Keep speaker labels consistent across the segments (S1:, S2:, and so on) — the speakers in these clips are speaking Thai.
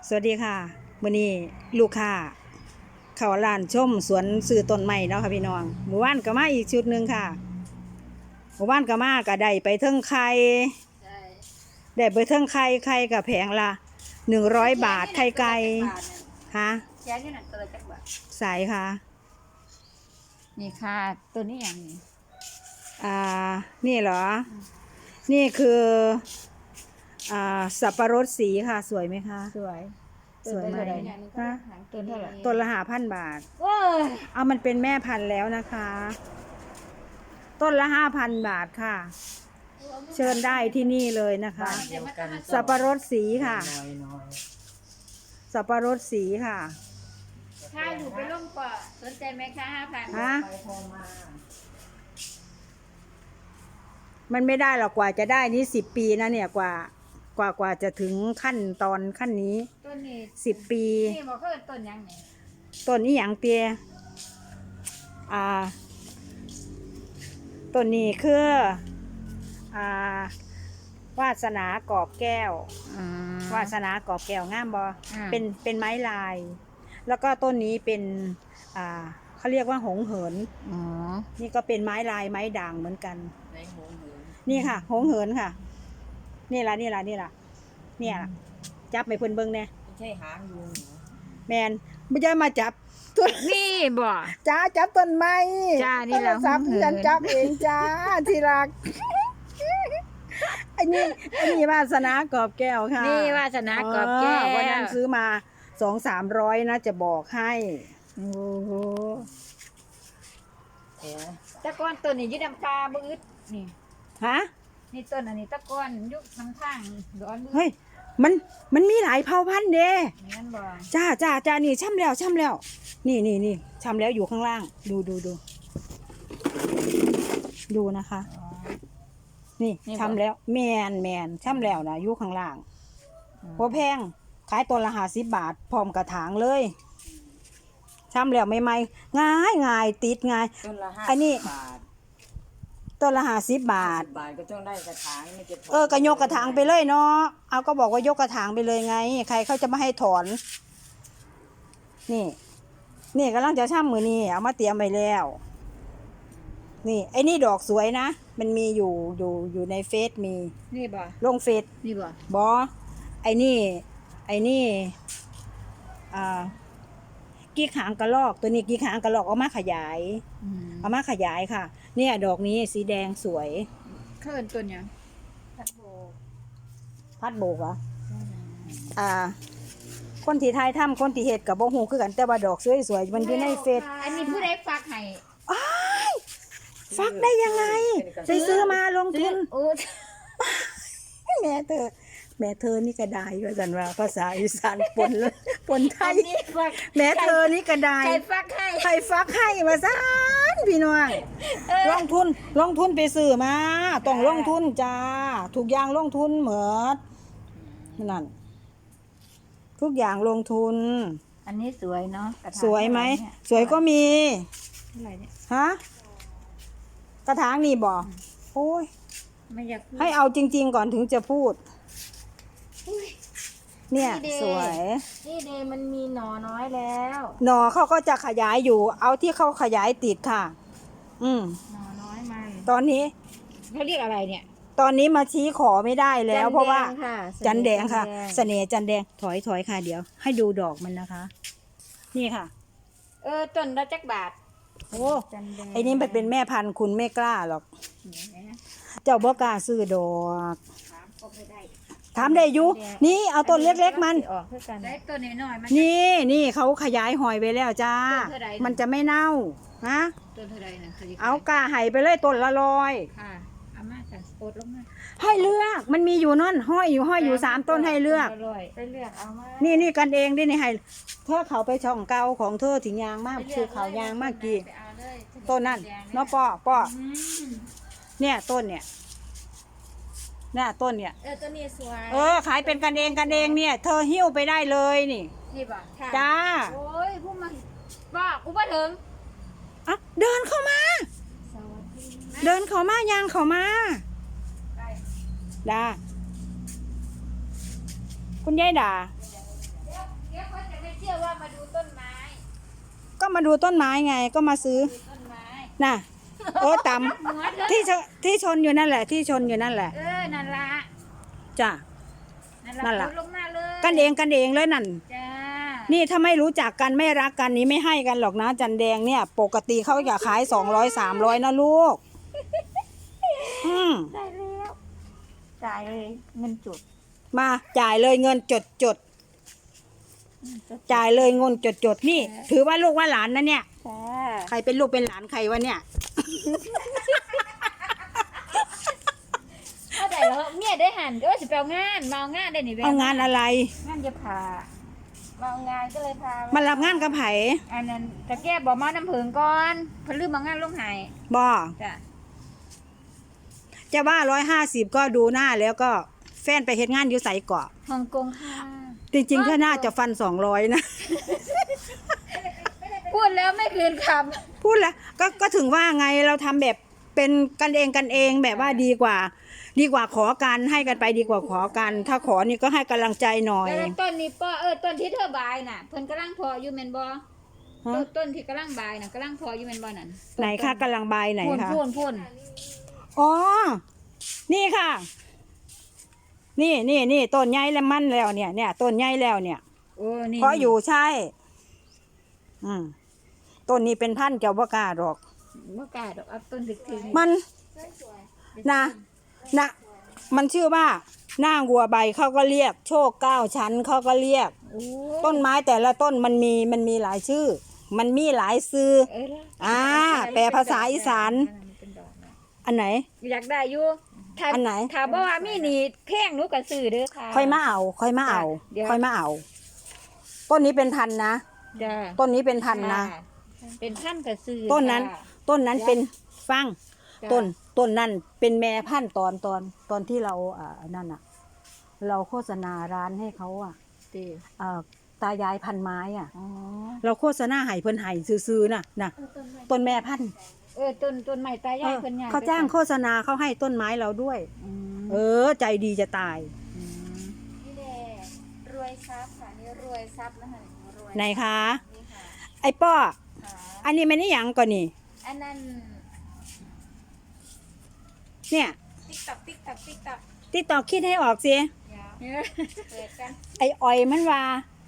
S1: สวัสดีค่ะมื้อนี้ลูกค้าเข้าร้านชมสวนซื้อต้นไม้เนาะค่ะพี่น้องหมู่บ้านก็มาอีกชุดหนึ่งค่ะหมู่บ้านก็มาก็ได้ไปเทิงไข่ได้ไปเทิงไข่กับแผงละ100 บาทไข่ไก่ค่ะ
S2: แค่นี้น่ะตัวละจักบาท
S1: สายค่ะ
S2: นี่ค่ะตัวนี้อย่างนี้
S1: นี่เหรอนี่คือสับปะรดสีค่ะสวยไหมคะ
S2: สวย
S1: สวยไหม
S2: ฮะต้นเท่าไหร่
S1: ต้นละ5,000 บาทเอามันเป็นแม่พันธุ์แล้วนะคะต้นละ5,000 บาทค่ะเชิญได้ที่นี่เลยนะคะสับปะรดสีค่ะสับปะรดสีค่ะ
S2: ถ้าอยู่ไปร่มก่อสนใจไหมคะ5,000
S1: ฮะมันไม่ได้หรอกกว่าจะได้นี่10 ปีนะเนี่ยกว่าจะถึงขั้นนี้
S2: ต้นนี้
S1: 10 ปี
S2: นี่บอกเขาต้นยังไง
S1: ต้นนี้อย่างเตี้ยต้นนี้คือวาสนากอบแก้ววาสนากอบแก้วงามบอเป็นไม้ลายแล้วก็ต้นนี้เป็นเขาเรียกว่าหงเหินนี่ก็เป็นไม้ลายไม้ด่างเหมือนกันนี่ค่ะหงเหินค่ะนี่ละเนี่ยจับไปเพิ่นเบิ่งเนี่ย
S2: ไม่ใช่หางยุง
S1: แมนไม่ใช่มาจับต้น
S2: นี่บ่
S1: จ้าจับต้นไม้
S2: จ้านี่แหละ
S1: จับฉันจับเองจ้าที่รักอันนี้วาสนากอบแก้วค่ะ
S2: นี่วาสนากอบแก้ว
S1: วันนั้นซื้อมา200-300นะจะบอกให้
S2: โอ้โหตะก้อนต้นนี้ยึดน้ำปลาบ่อึดนี่
S1: ฮะ
S2: นี่ต้นอันนี้ตะก้อนยุคน้ำทางร้อน
S1: เฮ้ยมันมีหลายเผ่าพันธุ์เด้
S2: งั้นบ่
S1: จ้านี่ช่ำแล้วนี่ช่ำแล้วอยู่ข้างล่างดูนะคะนี่ช่ำแล้วแมนช่ำแล้วนะอยู่ข้างล่างพอแพงขายต้นละ50 บาทพร้อมกระถางเลยช่ำแล้วใหม่ๆง่ายติดง่ายอันนี้ต้นละ50 บาท
S2: ก็ต้องได้กระถาง
S1: ก็ยกกระถางไปเลยเนาะเอาก็บอกว่ายกกระถางไปเลยไงใครเขาจะมาให้ถอนนี่กำลังจะช่ำมือนี่เอามาเตรียมไปแล้วนี่ไอ้นี่ดอกสวยนะมันมีอยู่ในเฟซมี
S2: นี่บ่
S1: ลงเฟซ
S2: นี่บ่
S1: ไอ้นี่กี้ขางกระรอกตัวนี้กี้ขางกระรอกเอามาขยายค่ะเนี่ยดอกนี้สีแดงสวย
S2: เขินต้นยัง
S1: พัดโบกเหรอคนที่ไทยทำคนที่เฮ็ดกับบ่ฮู้คือกันแต่ว่าดอกสวยๆมันอยู่ในเฟซ
S2: อันนี้ผู้ใดฝากให้
S1: ฟักได้ยังไงไปซื้อมาลงทุนแม่เธอนี่ก็ได้ว่าสันว่าภาษาอีสานปนไทยแม่เธอนี่ก็ได้ใครฟักให้มาซานพี่น้องลงทุนไปซื้อมาต้องลงทุนจ้าทุกอย่างลงทุนเหมือนนั่นทุกอย่างลงทุน
S2: อันนี้สวยเนาะ
S1: สวยไหมสวยก็มี
S2: อะไรเนี่ย
S1: ฮะกระถางนี่บอกโอ้ย
S2: ไม่อยาก
S1: ให้เอาจริงๆก่อนถึงจะพูดเนี่ยสวย
S2: นี่เดมันมีหน่อน้อยแล้ว
S1: หน่อเขาก็จะขยายอยู่เอาที่เขาขยายติดค่ะ
S2: หน่อน้อยมัน
S1: ตอนนี้
S2: เขาเรียกอะไรเนี่ย
S1: ตอนนี้มาชี้ขอไม่ได้แล้วเพราะว่าจันแดงค่ะเสน่ห์จันแดงถอยค่ะเดี๋ยวให้ดูดอกมันนะคะนี่ค่ะ
S2: ต้นละจักบาท
S1: โอ้ไอ้นี่มันเป็นแม่พันธุ์คุณไม่กล้าหรอกเจ้าบ่กล้าซื้อดอกถามได้อยู่นี่เอาต้นเล็กๆมัน
S2: ได้ต้นน้อย
S1: ๆนี่เขาขยายหอยไปแล้วจ้ามันจะไม่เน่าฮะ
S2: ต้นเท่าไรนะ
S1: เอากาไห่ไปเลยต้นละ100
S2: ค่ะอาม่าจะโอดลงมา
S1: ให้เลือกมันมีอยู่นั่นห้อยอยู่3 ต้นให้เลือก
S2: ไปเลือกเอามา
S1: นี่กันเองดินี่ให้เธอเขาไปช่องเก่าของเธอถึงยางมากคือเขายางมากกี่ต้นนั่นเนาะป้อเนี่ยต้นเนี่ยต้นเนี่ย
S2: ต้นนี้สวย
S1: ขายเป็นกันเองเนี่ยเธอหิ้วไปได้เลยนี่
S2: ป่ะ
S1: จ้า
S2: โอ้ยพูดมาว่ากูมาถึง
S1: เดินเข้ามายางเข้ามาด่าคุณยายด่า
S2: มาดูต้นไม้
S1: ก็มาดูต้นไม้ไงก็มาซื้อ
S2: ดูต้นไม้
S1: น่ะโอ้ต
S2: หัวเธอ
S1: ำที่ชนอยู่นั่นแหละที่ชนอยู่นั่นแหละ
S2: นั่นละ
S1: จ้ะ
S2: นั่
S1: นั่น
S2: น
S1: ล่ะ
S2: ละลงมาเลย
S1: กันเองเลยนั่น
S2: จ้า
S1: นี่ถ้าไม่รู้จักกันไม่รักกันนี้ไม่ให้กันหรอกนะจันแดงเนี่ย ปกติเขาอยากขาย200-300นะลูก
S2: ได้แล้วจ่ายเลยเงินจุด
S1: มาจ่ายเลยเงินจดจ่ายเลยเงินจดนี่ ถือว่าลูกว่าหลานนะเนี่ย
S2: จ้า
S1: ใครเป็นลูกเป็นหลานใครวะเนี่ย
S2: เอาได้แล้วเมียได้หันก็ว่าจะไปเอางานมาเอางานได้นี่แบ
S1: เอางานอะไร
S2: งานจะพามาเอางานก็เลยพา
S1: มารับงานกับไผ
S2: อันนั้นตะแก้บอกมาน้ำผึ้งก่อนเพิ่นลืมเอางานลงใหาย
S1: บ่
S2: จ้ะ
S1: จะว่า150ก็ดูหน้าแล้วก็แฟนไปเฮ็ดงานอยู่ไสเกาะ
S2: ฮ่องกงค่ะ
S1: จริงๆถ้าน่าจะฟัน200นะ
S2: พูดแล้วไม่คืนค
S1: พูดแล้วก็ถึงว่าไงเราทำแบบเป็นกันเองแบบว่าดีกว่าขอกันให้กันไปดีกว่าขอกัน ถ้าขอนี่ก็ให้กำลังใจหน่อ
S2: ำ
S1: ย
S2: แล้วต้นนี้ป้อต้นที่เธอบายน่ะเพิ่นกำลังพออยู่แม่นบ่
S1: ฮะ
S2: ต้นที่กำลังบายน่ะกำลังพออยู่แม่นบ่นั่น
S1: ไหนคะกำลังใบไหนคะ
S2: พ่น
S1: อ๋อนี่ค่ะ นี่ต้นใหญ่แล้วมันแล้วเนี่ยต้นใหญ่แล้วเนี่ย
S2: โอ้นี่
S1: เพราะอยู่ใช่ ต้นนี้เป็นพันธุ์เจ้าบ่กล้าหรอก
S2: บ่กล้าดอกเอาต้นถึกๆ
S1: มันนะมันชื่อว่าหน้าวัวใบเขาก็เรียกโชค9 ชั้นเขาก็เรียก
S2: โอ้
S1: ต้นไม้แต่ละต้นมันมีหลายชื่อ มันมีหลายชื่อ แปลภาษาอีสาน
S2: เป็นดอกนะ
S1: อันไหน
S2: อยากได้อยู่ถ้า
S1: อันไหน
S2: ถ้าบ่ว่ามีนี่แพงหนูก็ซื้อเด้อค่ะ
S1: ค่อยมาเอา
S2: เดี๋ยว
S1: ค่อยมาเอา ต้นนี้เป็นพันธุ์นะ
S2: จ้า
S1: ต้นนี้เป็นพันธุ์นะ
S2: เป็นพันธุ์ก็ซื้อ
S1: ต้นนั้น
S2: จ้า
S1: ต้นนั้นเป็นฟัง
S2: จ้ะ
S1: ต้นนั้นเป็นแม่พันธุ์ตอนที่เรานั่นอ่ะ เราโฆษณาร้านให้เขาอ่ะ
S2: ติ
S1: ตายายพันไม้อ่ะ
S2: อ๋อ
S1: เราโฆษณาให้เพิ่นให้ซื้อๆน่ะต้นแม่พันธุ์
S2: ต้นใหม่ตายายเพิ่นใหญ่
S1: เขาจ้างโฆษณาเขาให้ต้นไม้เราด้วย ใจดีจะตาย
S2: นี่แหละรวยทรัพย์ค่ะนี่รวยทรัพย์นะคะรวย
S1: ไหนคะ
S2: นี่ค่ะ
S1: ไอ้ป้อ
S2: ค่ะ
S1: อันนี้มันนี่หยังก่อนนี่
S2: อันนั้น
S1: เนี่ย
S2: ติ๊กตักติ๊กตักติ๊กตัก
S1: ติดต่อคิดให้ออกสิ
S2: เดี๋ยวเปิดกัน
S1: ไอ้อ้อยมันว่า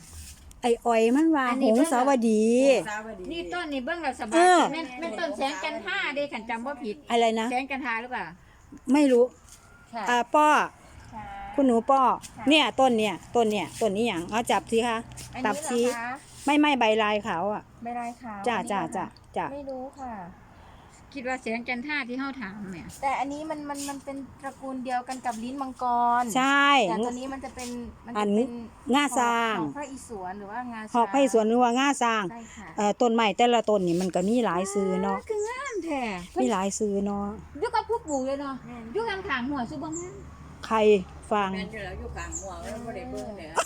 S1: หงสาวดี
S2: นี่ต้นนี่เบิ่งแล้วสบา
S1: เอย อ
S2: แม่นต้นแสงจันทราเด้ขันจำว่าผิด
S1: อะไรนะ
S2: แสงจันทราหรือเปล่า
S1: ไม่รู้
S2: ค่ะ
S1: ป้อ
S2: ค่ะ
S1: คุณหนูป้อ
S2: ค่ะ
S1: เนี่ยต้นนี้อย่างเอาจับสิคะ
S2: อัน
S1: ตับ
S2: นี้
S1: ชี้
S2: เหรอคะ
S1: ไม่ใบลายขาวอ่ะ
S2: ใบลายขาว
S1: จ้า
S2: อันนี้เหรอคะ
S1: จ้า
S2: ไม่รู้ค่ะ คิดว่าแสงจันทราที่เฮาถามเนี่ย
S3: แต่อันนี้มันเป็นตระกูลเดียวกันกับลิ้นมังกร
S1: ใช่
S3: แต่ตัวนี้มันจะเป็น
S1: อันง่าสร้าง
S3: หอพระอิศวรหรือว่างา
S1: หอกไผ่สวนหรือว่าง่าสร้าง
S3: ใช่ค่ะ
S1: ต้นไม้แต่ละต้นนี่มันก็มีหลายซื้อเนาะ
S2: คืองามแท้
S1: มีหลายซื้อเนาะ
S2: อยู่กับผู้ปลูกเลยเนาะอยู่กลางทางหัวซุบ่งาม
S1: ใครฟัง
S4: แม่นจะแล้วอยู่กลางหัวแล้วบ่ได้เบิ่งเนี่ย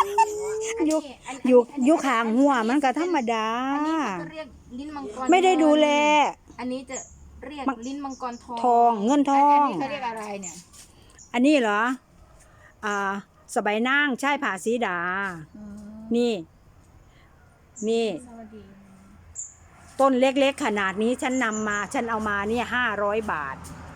S1: อยู่ข้างหัวมันก็ธรรมดา
S3: อันนี้เขาจะเรียกลิ้นมังกร
S1: ไม่ได้ดูแล
S3: อันนี้จะเรียกลิ้นมังกรทอง
S1: ทองเงินทอง
S2: อันนี้เขาเรียกอะไรเนี่ย
S1: อันนี้เหรอสบายนางใช่ผาสีดา นี่
S2: สวัสดี
S1: ต้นเล็กๆขนาดนี้ฉันเอามาเนี่ย500 บาท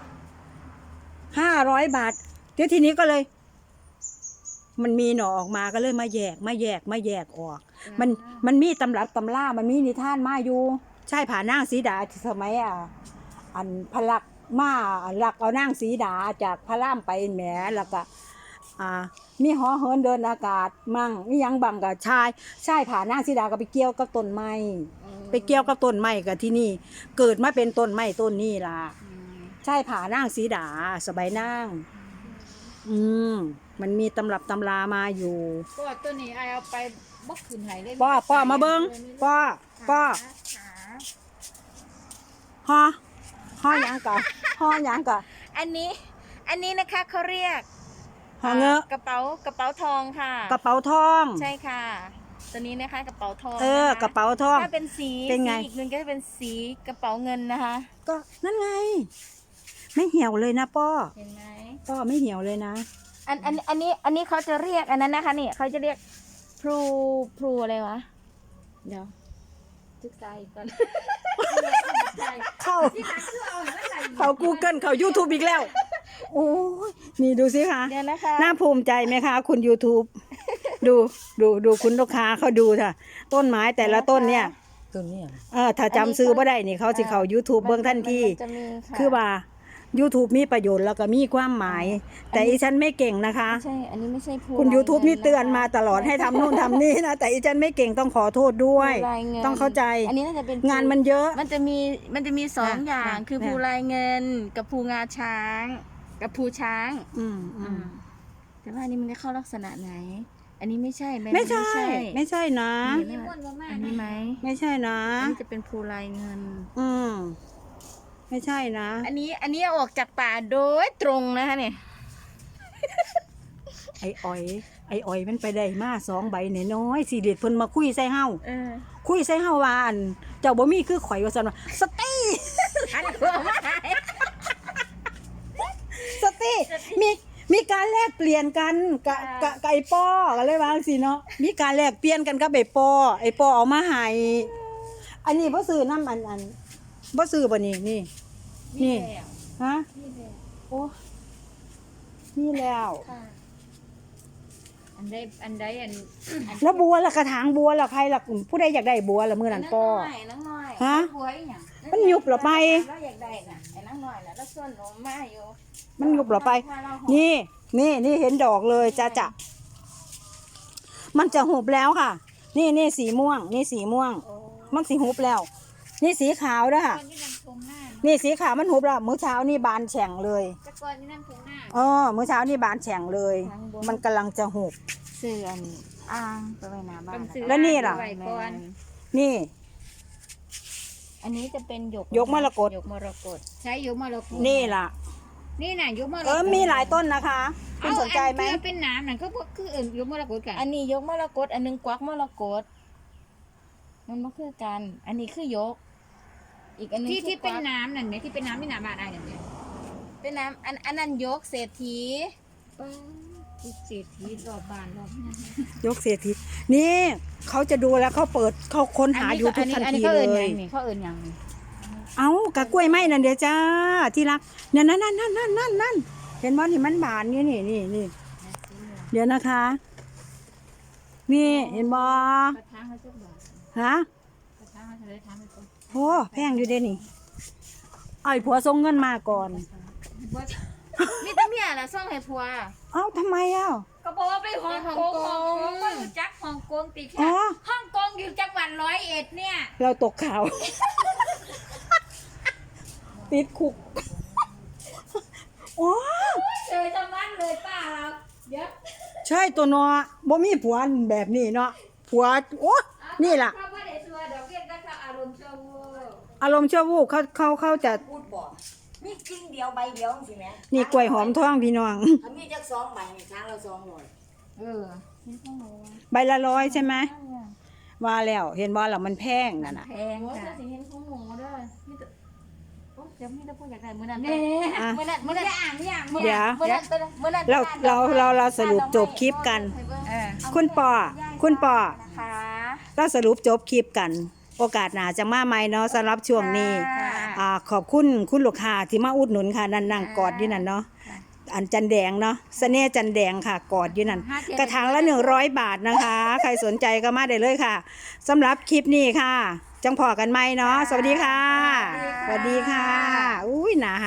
S1: เดี๋ยวทีนี้ก็เลย มันมีหน่อออกมาก็เลยมาแยกออก มันมีตำรับตำล่ามันมีนิทานมาอยู่ ใช่ผานางสีดาที่สมัยอันพลักมาหลักเอานางสีดาจากพระรามไปแหมแล้วก็มีหอเหินเดินอากาศมั่งมียังบังกับชายผานางสีดาก็ไปเกี่ยวกับต้นไม้กับที่นี่ เกิดมาเป็นต้นไม้ต้นนี้ล่ะใช่ผานางสีดาสบายนางมันมีตำรับตำรามาอยู่
S2: ก็ตัวนี้ไอเอาไปบกขึ้นไหเลย
S1: ป้อมาเบิ้งป้อฮอหยังก่อน
S3: อันนี้นะคะเขาเรียก
S1: ฮอเงอะ
S3: กระเป๋าทองค่ะ
S1: กระเป๋าทอง
S3: ใช่ค่ะ ตัวนี้นะคะกระเป๋าทอง
S1: ก
S3: นค
S1: ระเป๋าทอง
S3: ถ้าเป็นสี
S1: เป็นไง
S3: อีกหนึ่งก็จะเป็นสีกระเป๋าเงินนะคะ
S1: ก็นั่นไง ไม่เหี่ยวเลยนะป้อ
S3: เห็นไหม
S1: ไม่เหี่ยวเลยนะ
S3: อันนี้เขาจะเรียกอันนั้นนะคะนี่เขาจะเรียกพลูอะไรวะ
S2: เดี๋ยวศึกษาอีกก่อน
S1: เข้า Google เข้า YouTube อีกแล้ว โอ้ยนี่ดูสิคะ
S3: เดี๋ยวนะคะ
S1: น่าภูมิใจไหมคะ คุณ YouTube ดูคุณลูกค้าเขาดูค่ะ ต้นไม้แต่ละต้นเนี่ย
S4: ตัวนี้
S1: ถ้าจำซื้อบ่ได้นี่เขาสิเข้า YouTube เบิ่งทันที
S3: มันจะมีค่ะ
S1: คือว่า YouTube มีประโยชน์แล้วก็มีความหมาย แต่อีฉันไม่เก่งนะคะ
S3: ไม่ใช่ อันนี้ไม่ใช่ภู
S1: คุณ YouTube นี่เตือนมาตลอด
S3: นะคะ
S1: ให้ทำนู่นทำนี่นะ แต่อีฉันไม่เก่งต้องขอโทษด้วย
S3: ภูลายเงิน
S1: ต้องเข้าใจ
S3: อันนี้น่าจะเป็น
S1: งานมันเยอะ
S3: มันจะมีสองอย่าง คือ
S1: เนี่ย
S3: ภูลายเงินกับภูงาช้าง กับภูช้าง
S1: อืม
S3: แต่ว่าอันนี้มันจะเข้าลักษณะไหน อันนี้ไม่ใช่
S1: ไม่ใช่ ไม่ใช่นะ
S3: นี่อันนี้ไหม
S1: ไม่ใช่นะ
S3: อันนี้จะเป็นภูลายเงิน
S1: อืมไม่ใช่นะ
S3: อันนี้เอาออกจากป่าโดยตรงนะคะเนี่ย
S1: ไอ้อ้อยมันไปได้มา2 ใบน้อยๆสิเด็ดเพิ่นมาคุยใส่เฮาคุยใส่เฮาว่าอันเจ้าบ่มีคือข่อยว่าซั่นว่าสติสติมีการแลกเปลี่ยนกันกับไอ้ป้อก็เลยว่าจังซี่เนาะมีการแลกเปลี่ยนกันกับไอ้ป้อเอามาให้อันนี้บ่ซื้อน้ำอันบ่ซื้อบ่นี่ฮะโอ้นี่แล้ว
S2: อันใดอัน
S1: แล้วบัวล่ะกระถางบัวล่ะใครล่ะผู้ใดอยากได้บัวล่ะมื้อนั้นป้อ
S2: น้องน้อย
S1: ฮะ
S2: บัวอีหยัง
S1: มันยุบเหรอไป
S2: เราอยากได้น่ะไอ้น้องน้อยน่ะแล้วส่วนหนูมาอยู่
S1: มันยุบเหรอไป นี่เห็นดอกเลยจ้ะมันจะหุบแล้วค่ะ นี่สีม่วง นี่สีม่วง มันสีหุบแล้ว นี่สีขาวด้วยค่ะ
S2: ก่อนที่น้ำทงหน้า
S1: นี่สีขาวมันหุบแล้วมื้อเช้านี่บานแฉ่งเลย
S2: แต่ก่อนที่น้ำทงหน้า
S1: มื้อเช้านี่บานแฉ่งเลย มันกำลังจะหุบ
S3: เสื่อนอ่างไปไว้หน้าบ้าน
S1: แล้วนี่ล่ะ
S2: ไว้ก่อน
S1: นี่
S3: อันนี้จะเป็นหยก
S1: ยกมรกต
S3: หยกมรกต
S2: ใช้ยุมรกต
S1: นี่ล่ะ
S2: นี่น่ะยุมรกต
S1: มีหลายต้นนะคะคุณสนใจไหม
S2: เอาอันที่เป็นน้ำนั่นก็คืออื่นยุมรกตกัน
S3: อันนี้ยกมรกตอันนึงกวักมรกตมันบ่คือกัน อันนี้คือยก อีกอันนึง
S2: ที่
S3: คื
S2: ที่
S3: อก
S2: เป็น
S3: วัก
S2: น้ำนั่นไหมที่เป็นน้ำที่หนาบานอะไรนั่นเนี่ย
S3: เป็นน้ำอันนั้นยกเศรษฐี
S2: ที่เศรษฐีรอบบานรอบนั้น
S1: ยกเศรษฐีนี่เขาจะดูแล้วเขาเปิดเขาค้นหาอยู่ทุกทันทีเลย
S3: เขาเอิ้นหยังนี่
S1: เอากะกล้วยไม้นั่นเดี๋ยวจ้าที่รักเนี่ยนั่นเห็นบ่ที่มันบานนี่เดี๋ยวนะคะ นี่เห็นบ่
S2: กระทางเขาจะบอก
S1: ฮะ
S2: กระทางเขาจะได้ทำให้คน
S1: โอ้แพงอยู่เด้นี่เอาไอ้ผัวส่งเงินมาก่อน
S3: มีแต่เมียล่ะส่งให้ผัว
S1: เอ้าทำไมอ่ะ
S2: ก็บอกว่าไปฮ่องกง
S3: ฮ่องกง
S2: ก็อยู่จักฮ่องกงติด
S1: อ๋
S2: ค่ะ
S1: อ
S2: ฮ่องกงอยู่จังหวัด101เนี่ย
S1: เราตกข่าว ติดคุกโอ้
S2: เจอจังหวัดเลยป้าเราเดี๋ยว
S1: ใช่ตัวเนาะบ่มีผัวแบบนี้เนาะผัวโอ้นี่ล่ะ
S2: เขาไม่ได้ชัวร์ดอกเบี้ยก็เขาอารมณ์ชั่ววูบ
S1: อารมณ์ชั่ววูบเขาจะ
S4: พูดบอกมีกิ่งเดียวใบเดียวสิแม่
S1: นี่กล้วยหอมทองพี่น้อง
S4: ถ้ามีจัก2ใบนี่ช้างเรา2หน่วย
S2: เออ
S1: ใบละ100ใช่ไหมว่าแล้วเห็นบ่ล่ะมันแพงนั่นน่ะ
S3: แพงค่ะสิเห็นของหมูด้วยมีแต่โอ๊ยเดี๋ยวมีแต่ผู้อยากได้มื้อนั้น
S2: เนี่ย
S1: อ่ะ
S3: มื้อนั้น
S2: มึ
S3: มื้
S2: ง
S3: อนั้น
S2: จะอ่านไม่อ่านมึง
S1: เดี๋ยว
S3: มื้อนั้นมื้อนั้น
S1: เราสรุปจบคลิปกัน
S2: เออ
S1: คุณปอ
S3: นะคะ
S1: เราสรุปจบคลิปกัน โอกาสหน้าจะมาใหม่เนาะสำหรับช่วงนี้
S3: ค่ะ
S1: ขอบคุณคุณลูกค้าที่มาอุดหนุนค่ะนั่งกอดอยู่นั่นเนาะอันจันแดงเนาะเสน่ห์จันแดงค่ะกอดอยู่นั่นกระถางละ100 บาทนะคะ ใครสนใจก็มาได้เลยค่ะสำหรับคลิปนี้ค่ะ จังพอกันไหมเนาะสวัสดีค่ะ สวัสดีค่ะอุ้ยหนา